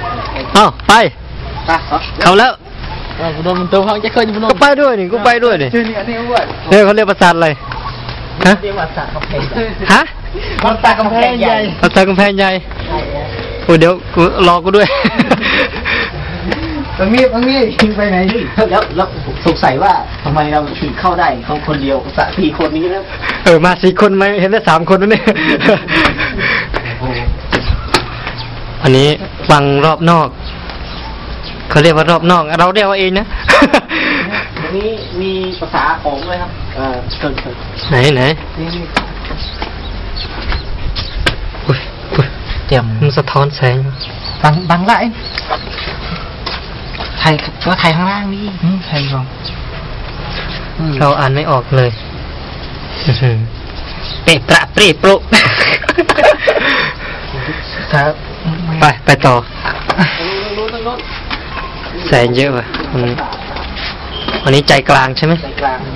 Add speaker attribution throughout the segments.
Speaker 1: เอ้าไปเขาแล้ว
Speaker 2: โดนมันตัวเขาจะเคยมัน
Speaker 1: ก็ไปด้วยนี่ก็ไปด้วยนี่
Speaker 2: ชื่อนี่อันนี้อ้วน
Speaker 1: เนี่ยเขาเรียกปราสาทอะไรฮะ
Speaker 2: เรียกว่าสระกำแพง
Speaker 1: ฮะ
Speaker 2: ปราสาทกำแพงใหญ่
Speaker 1: ปราสาทกำแพงใหญ่โอ้เดี๋ยวรอกูด้วย
Speaker 2: ตรงนี้ยิงไปไหนแล้วสงสัยว่าทำไมเราถึงเข้าได้เขาคนเดียวสระ4 คนนี้นะ
Speaker 1: มา4 คนไหมเห็นได้3 คนนั่นเองอันนี้ฟังรอบนอกเขาเรียกว่ารอบนอกเราเรียกว่าเองนะ
Speaker 2: อันนี้มีภาษาของด้วยครับเชิญ
Speaker 1: ไหน
Speaker 2: เตรียม
Speaker 1: มันสะท้อนแสง
Speaker 2: บังละไทยก็ไทยข้างล่างนี่ไทยก่อน
Speaker 1: เราอ่านไม่ออกเลยเปะประเปรโปร
Speaker 2: ครับ
Speaker 1: ไปต่อแสงเยอะว่ะวันนี้ใจกลางใช่ไหม
Speaker 2: ใจกลาง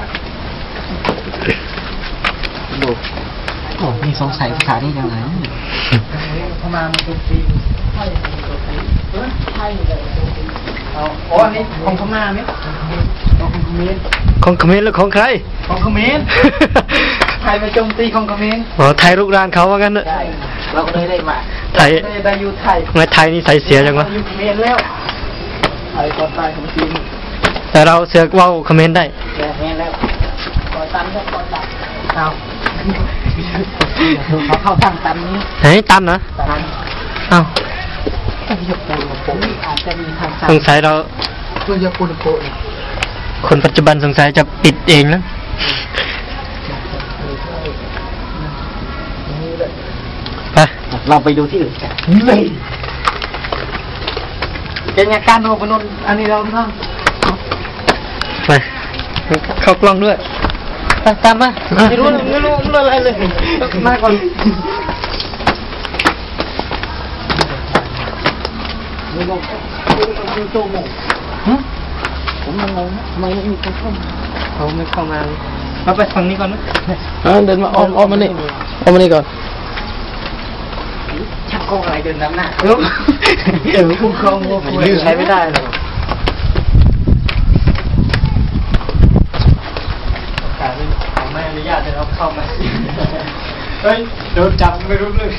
Speaker 2: ดูโอ้มีสงสัยภาษาได้ยังไงเข้ามามันเป็นปีใช่อ๋ออันนี้ของพม่าไหม
Speaker 1: ของเขมรหรือของใคร
Speaker 2: ของเขมรไทยมาโจมตีของเขมร
Speaker 1: อ๋อไทยลุกรานเขาว่างั้นเนอะ
Speaker 2: เราเลยได้มา
Speaker 1: ไทย
Speaker 2: ได้อยู่ไทย
Speaker 1: ไงไทยนี่ใส่เสียจังวะ
Speaker 2: อยู่เขมรแล้วไทยก่อนตายของจริง
Speaker 1: แต่เราเสือกว่าเขมรได้
Speaker 2: เขมรแล้วก่อนตันเอาเขาเข้าทางตันนี้
Speaker 1: ไหนตันนะอ้าวสงสัยเราคนปัจจุบันสงสัยจะปิดเองนะไป
Speaker 2: เราไปดูที่อื่นกันเป็นยาการโนบนนอันนี้เราท
Speaker 1: ำไปเข้ากล้องด้วย
Speaker 2: ตามมาไม่รู้อะไรเลยมาก่อนผมงงทำไมไม่มีใครเข้ามา
Speaker 1: เขาไม่เข้ามาเราไปฝั่งนี้ก่อนนะ
Speaker 2: เดินมาอ้อมมานี่ก่อนชักโครกอะไรเดินน้ำหน้าคุ้มครอง
Speaker 1: ใช้ไม่ได้หรอกไม่อนุญาตให้เราเข้ามาเฮ้ยโดนจับไม่รู้เลย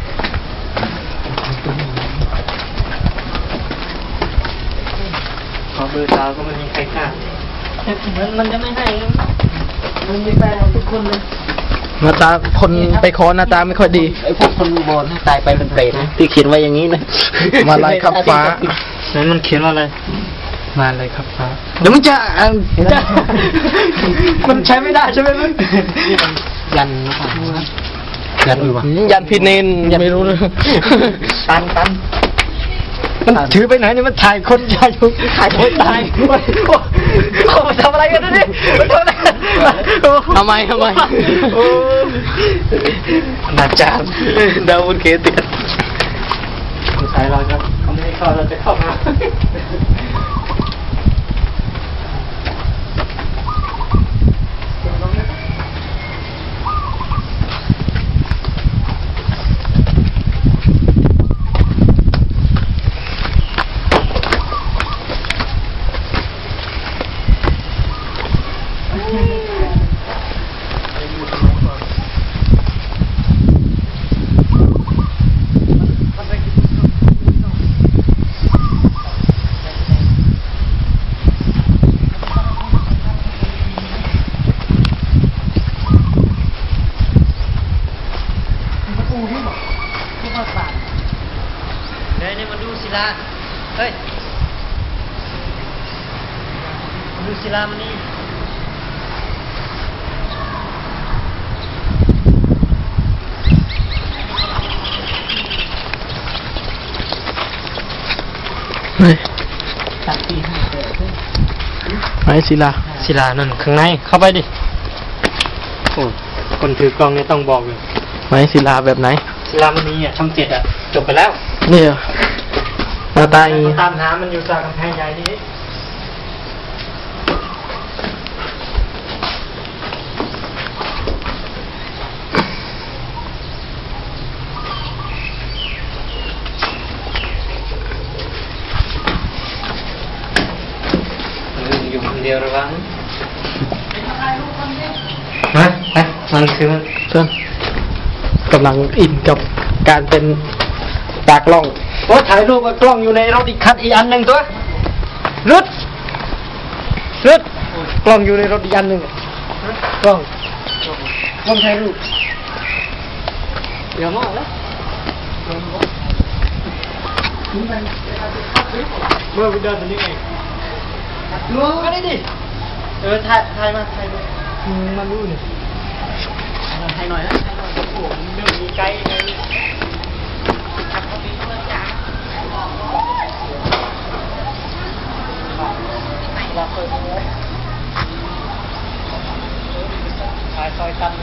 Speaker 1: ขอเบอร์สาวก็ไม่มีใครกล้า
Speaker 2: มันจะไม่ให้มันมีแฟนทุกคนเลย
Speaker 1: หน้าตาคนไปขอหน้าตาไม่ค่อยดี
Speaker 2: ไอ้พวกคนโบนตายไปเป็นเปรตนะที่เขียนไว้อย่างนี้นะ
Speaker 1: มาลายขับฟ้านั้นมันเขียนว่าอะไรมาเลยครับฟ้า
Speaker 2: เดี๋ยวมันจะ
Speaker 1: มันใช้ไม่ได้ใช่ไหมมึง
Speaker 2: ยัน
Speaker 1: ยันพิเนนไม่รู้เลย
Speaker 2: ตัน
Speaker 1: มันถือไปไหนเนี่ยมันถ่ายคนถ่ายคนตายมันทำอะไรกันนี่มันทำอะไร
Speaker 2: ทำไม
Speaker 1: อาจารย์ดาวน์เคติดใช่เราครับเขาไม่ให้เข้าเราจะเข้ามาเนี่ยมาดูศิลาเฮ้ยมาดูศิลามันนี่
Speaker 2: เฮ้ย
Speaker 1: ไหนศิลานั่นข้างในเข้าไปดิโอ้คนถือกล้องเนี่ยต้องบอกเลย
Speaker 2: ไหนศิลาแบบไหน
Speaker 1: ศิลามันนี่ช่อง7จบไปแล้ว
Speaker 2: เนี่ยหน้าตา
Speaker 1: ตามหามันอยู่จากกำแพงใหญ่นี่เดียวระวังนะมันคือเพื่อนกำลังอินกับการเป็นตากล้องโอ้ถ่ายรูปกับกล้องอยู่ในรถอีกคันอีกอันหนึ่งตัวรุดกล้องอยู่ในรถอีกอันหนึ่งกล้องถ่ายรูปเดี๋ยวมองแล้วเมื่อไปเดินตรงนี้ไงดูมาได้ดิถ่ายมามาดูนี่ถ่ายหน่อยนะโอ้โหเรื่องมีไกด์ไงถ่ายซอยตัน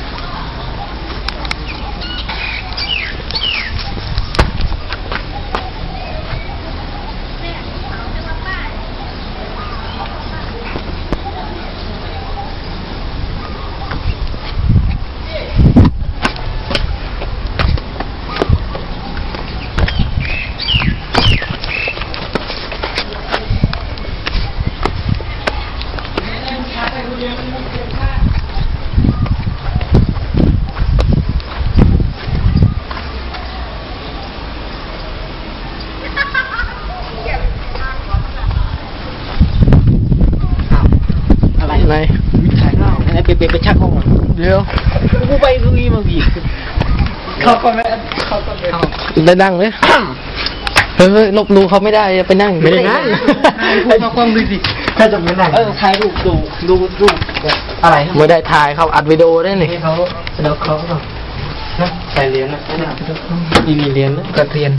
Speaker 1: อะไรไปชักห้องเดี๋ยวกูไปตรงนี้มาบีบเขาก็ไม่ได้นั่งเลยเฮ้ยลบดูเขาไม่ได้ไปนั่งไม่ได้นั่งพูดมาความดูสิถ้าจะไม่นั่งถ่ายรูปดูอะไรไม่ได้ถ่ายเขาอัดวิดีโอได้นี่เขาเดี๋ยวเขานะใส่เหรียญนะมีเหรียญนะกระเทียน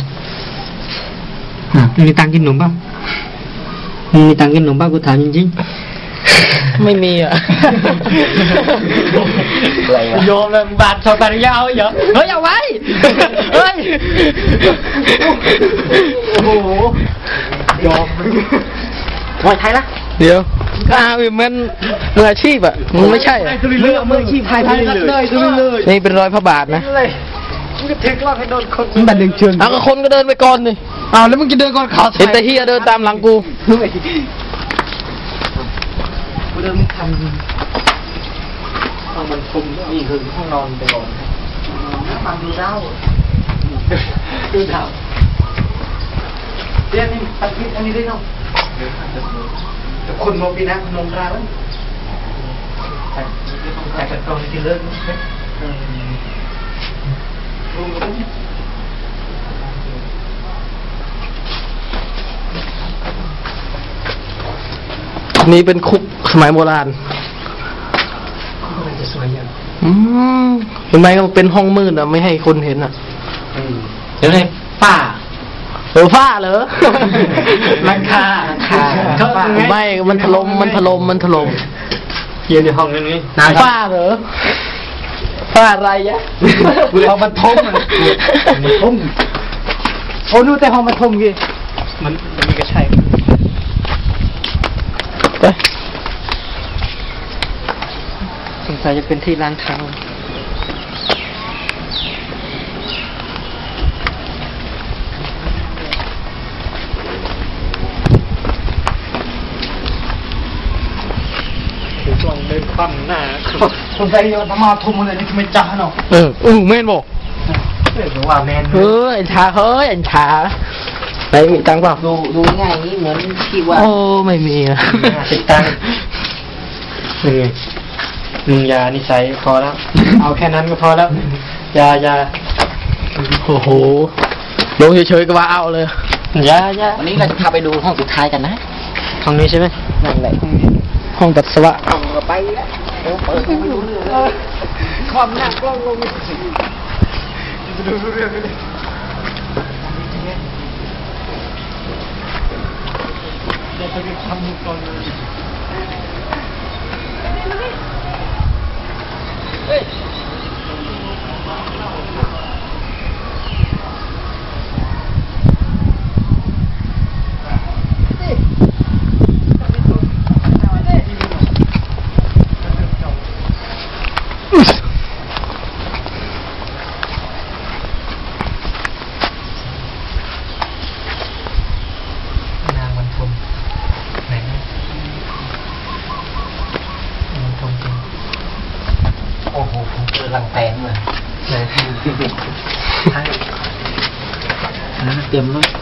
Speaker 1: มีตังกินขนมป่ะมีตังกินขนมป่ะกูถามจริงไม่มีอ่ะโยมเลยบาดชาวตาริยาเหรอเฮ้ยเอาไว้เฮ้ยโอ้โหยอมมวยไทยละเดี๋ยวมันมืออาชีพอ่ะมันไม่ใช่เรื่องมืออาชีพไทยเลยนี่เป็นรอยพระบาทนะมึงจะถึงรอบให้โดนคนมึงบัดดึงเชิงก็คนก็เดินไปก่อนนี่แล้วมึงจะเดินก่อนเขาเห็นแต่เฮียเดินตามหลังกูเริ่มทำห้องมันคุมนี่คือห้องนอนไปก่อนมันดูเล่าเรื่องนี้ตัดคลิปอันนี้ได้เนาะแต่คนมองปีนะมองราแล้วแต่กองที่เลิกนี่เป็นคุกสมัยโบราณเห็นไหมก็เป็นห้องมืดอ่ะไม่ให้คนเห็นอ่ะเดี๋ยวให้ฝ้าฝ้าเหรอหลังคาไม่มันถล่มเย็นในห้องนี้ฝ้าเหรอฝ้าอะไรยะห้องบรรทมโอ้ดูแต่ห้องบรรทมกี่มันมีกระชัยสงสัยจะเป็นที่ล้างเท้าถือกล่องเดินคว่ำหน้าสงสัยจะมาทุ่มอะไรนี่ทำไมจ้าเนาะแม่นบอกว่าแม่นไอ้ชาไอ้ชาไหนมีตังค์เปล่าดูง่ายนี่เหมือนที่ว่าโอ้ไม่มีอะติดตังค์มึงยานิสัยพอแล้วเอาแค่นั้นก็พอแล้วยาโอ้โหลงเฉยๆก็ว่าเอาเลยยาวันนี้เราจะพาไปดูห้องสุดท้ายกันนะห้องนี้ใช่ไหมนั่นแหละห้องปัสสาวะไปแล้วเปิดไม่ดูเรื่องความหนักกล้องลงจะดูเรื่องไม่ได้เราจะไปทำก่อนเลยเฮ้ยนางบรรทมไหน
Speaker 2: หลังแตนเลยเตรียมเลย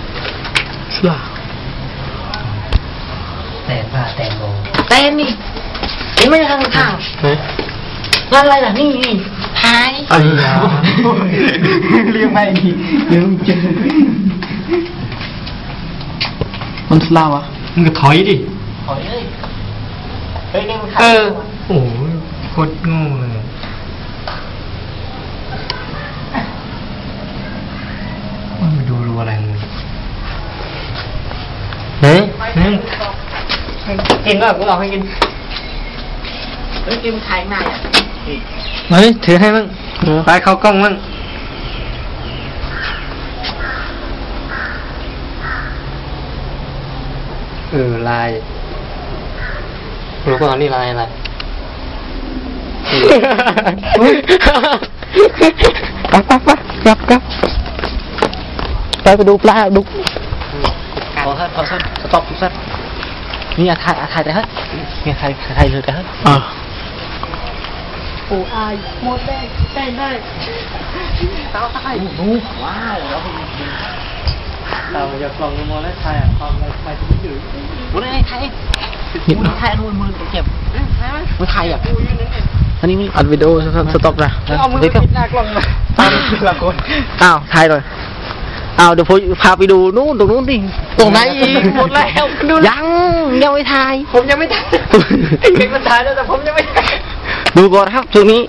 Speaker 2: แตนผ้าแตนโลแตนนี่เห็นไหมทางทางนั่นอะไรล่ะนี่หายเรียกไปนี่เดี๋ยวเจอมันสลาวะมึงก็ถอยดิถอยเลยเฮ้ยนี่มันโอ้โหโคตรโง่เลยมันมาดูอะไรมึงกินก็กูลองให้กินเฮ้ยกินไข่หน้าอ่ะเฮ้ยถือให้มั่งไปเข้ากล้องมั่งลายรู้ป่ะนี่ลายอะไร
Speaker 1: ครับไปดูปลาดู
Speaker 2: พอสั้นสต็อปสั้นนี่ถ่ายแต่ฮะนี่ถ่ายเลยแต่ฮะโอ้อายหมดได้เต้าตายดูว้าวแล้วเราจะกล่องมอแล้วถ่ายความอะไรจะไม่ถือวันนี้ถ่ายนู่นมือเก็บมือถ่ายอ่ะอันนี้
Speaker 1: อัดวิดีโอสต็อปนะ
Speaker 2: เอามือปิดหน้ากล้องมาตามละคน
Speaker 1: ถ่ายเลยเดี๋ยวผมพาไปดูนู่นตรงนู้นดิตรงไหนอีกหมดแล้วยังไม่ถ่าย
Speaker 2: ผมยังไม่ถ่ายเด็กมันถ่ายแล้วแต่ผมยังไม่ถ่าย
Speaker 1: ดูก่อนครับช่วงนี้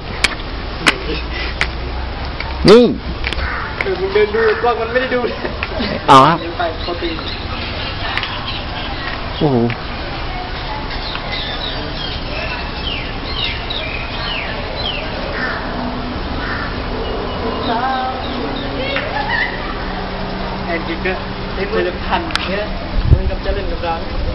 Speaker 1: นี่
Speaker 2: เดินดูกล้องมันไม่ได้ดู
Speaker 1: ครับโอ้โห
Speaker 2: แอนดิกเกอร์ได้มือจะพันเนี่ยเหมือนกับจะเล่นกับเรา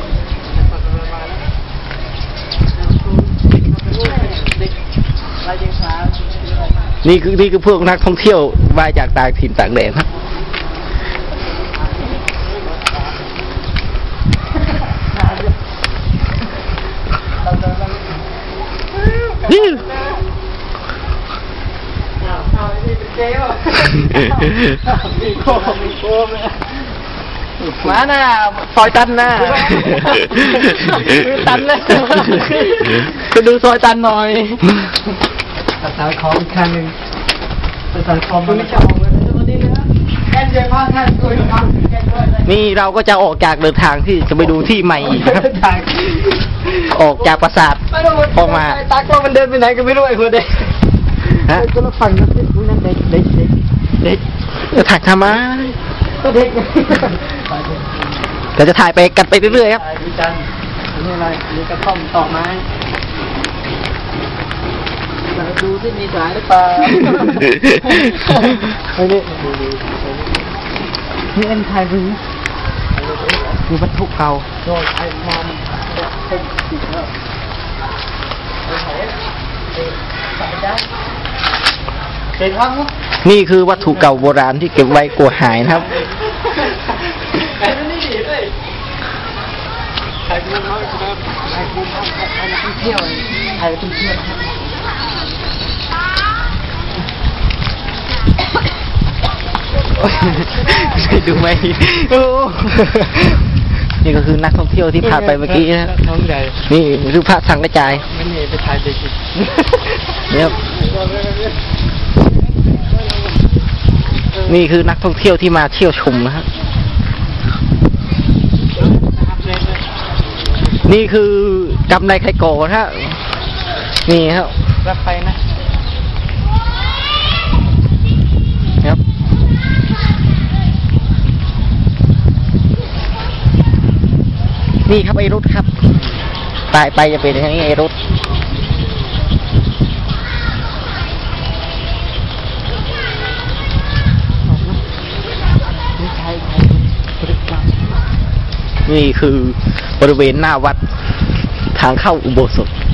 Speaker 1: นี่คือพวกนักท่องเที่ยวมาจากต่างถิ่นต่างแดนครับนี่
Speaker 2: มาหน้า
Speaker 1: ซอยตันหน้า
Speaker 2: ตันเลย
Speaker 1: ไปดูซอยตันหน่อย
Speaker 2: สายคออีกครั้งหนึ่งสายคอมันไม่จะออกเลยวันนี้นะแอนเจพ่อท่านตัวนี้
Speaker 1: นี่เราก็จะออกจากเดินทางที่จะไปดูที่ใหม่อีกครับออกจากปราสาทออกมา
Speaker 2: ตากล้องมันเดินไปไหนก็ไม่รู้ไอ้คนเด็กก็เราฟังนะพี่นั่นเด็ก
Speaker 1: ถ่ายทำไม
Speaker 2: ก็เด็ก
Speaker 1: เราจะถ่ายไปกันไปเรื่อยๆครับ
Speaker 2: ดูจันนี่อะไรนี่กระท่อมตอกไม้ดูที่มีสายหรือเปล่านี่เอ็นไทยหรือ
Speaker 1: มีวัตถุเก่า
Speaker 2: โดนไอ้มอมเป็นสีเทา
Speaker 1: นี่คือวัตถุเก่าโบราณที่เก็บไว้กลัวหายนะครับดูไหมนี่ก็คือนักท่องเที่ยวที่ผ่านไปเมื่อกี้นะนี่คือพระสังกระจาย
Speaker 2: ไม่มีไปถ่ายเด็ก
Speaker 1: เนี่ยนี่คือนักท่องเที่ยวที่มาเที่ยวชมนะฮะนี่คือกำไรไข่โกนะฮะนี่ครับ
Speaker 2: รับไป
Speaker 1: นะครับนี่ครับไอรุธครับไปจะเป็นอย่างนี้ไอรุธนี่คือบริเวณหน้าวัดทางเข้าอุโบสถ